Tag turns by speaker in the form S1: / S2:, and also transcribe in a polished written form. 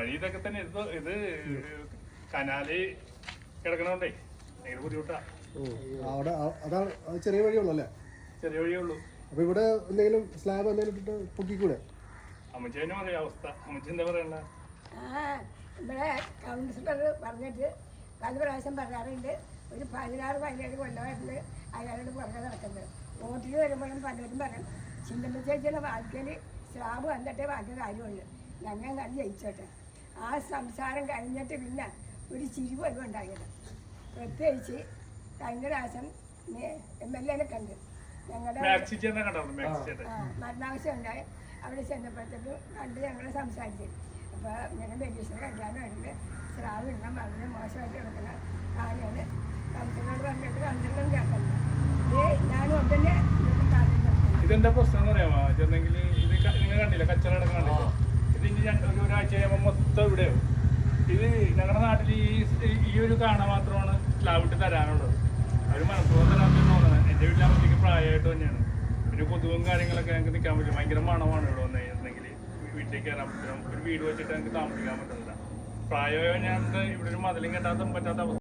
S1: വഴി ഇതൊക്കെ തന്നെ. ഇത് കനാല് കിടക്കണോണ്ടേ ഭയങ്കര ബുദ്ധിമുട്ടാ.
S2: അവിടെ അതാണ് ചെറിയ വഴിയുള്ളൂ അല്ലേ?
S1: ചെറിയ വഴിയേ ഉള്ളൂ.
S2: അപ്പൊ ഇവിടെ എന്തെങ്കിലും സ്ലാബ് എന്തെങ്കിലും ഇട്ടിട്ട് പൊക്കിക്കൂടെ?
S1: അമ്മച്ചേനും അറിയാം അവസ്ഥ. അമ്മച്ചി എന്താ പറയണ്ട?
S3: ഇവിടെ കൗൺസിലർ പറഞ്ഞിട്ട് പല പ്രാവശ്യം പറയാറുണ്ട്. ഒരു 16-17 കൊല്ലമായിട്ട് അയാളോട് പുറകെ നടക്കുന്നത്. വോട്ടിൽ വരുമ്പോഴും പലരും പറയും ചിന്തമ്മ ചേച്ചിയുടെ വാക്കിൽ സ്ലാബ് വന്നിട്ടേ ബാക്കി കാര്യമുള്ളൂ, ഞങ്ങൾ കണ്ട് ജയിച്ചോട്ടെ. ആ സംസാരം കഴിഞ്ഞിട്ട് പിന്നെ ഒരു ചിരി പോലും ഉണ്ടാകില്ല. പ്രത്യേകിച്ച് കഴിഞ്ഞ പ്രാവശ്യം MLA കണ്ട് ഞങ്ങളുടെ മരണാവശ്യം ഉണ്ടായി. അവിടെ ചെന്നപ്പോഴത്തേക്കും കണ്ട് ഞങ്ങൾ സംസാരിച്ചു. അപ്പോൾ ഇങ്ങനെ ബെല്ലീസിന് കല്യാണമായിട്ട് സ്രാവ് ഇടാൻ വളരെ മോശമായിട്ട് കിടക്കുന്ന കാര്യമാണ്. കൗൺസിലറോട് പറഞ്ഞിട്ട് കൗൺസിലറും കേൾക്കുന്നത്. ഞാനും ഒന്നെ
S1: ഇതെന്താ പ്രശ്നം എന്ന് പറയാമോ ചെന്നെങ്കിൽ ഇത് നിങ്ങൾ കണ്ടില്ല കച്ചറ കിടക്കണില്ല. ഇത് ഇനി ഒരാഴ്ച കഴിയുമ്പോൾ മൊത്തം ഇവിടെയോ. ഇത് ഞങ്ങളുടെ നാട്ടിൽ ഈ ഒരു കാണാൻ മാത്രമാണ് സ്ലാബ് ഇട്ട് തരാനുള്ളത്. അവർ മനഃപൂർവ്വം തരാമെന്ന് തോന്നുന്നത്. എൻ്റെ വീട്ടിലാകുമ്പോഴത്തേക്ക് പ്രായമായിട്ട് തന്നെയാണ്. പിന്നെ കൊതുകും കാര്യങ്ങളൊക്കെ ഞങ്ങൾക്ക് നിൽക്കാൻ പറ്റും. ഭയങ്കര മണമാണ് ഇവിടെ വന്നിട്ടുണ്ടെങ്കിൽ. വീട്ടിലേക്ക് കയറാൻ പറ്റും. ഒരു വീട് വെച്ചിട്ട് ഞങ്ങൾക്ക് താമസിക്കാൻ പറ്റുന്നില്ല. പ്രായമായ ഞങ്ങൾക്ക് ഇവിടെ ഒരു മതിലും കെട്ടാൻ പറ്റാത്ത അവസ്ഥ.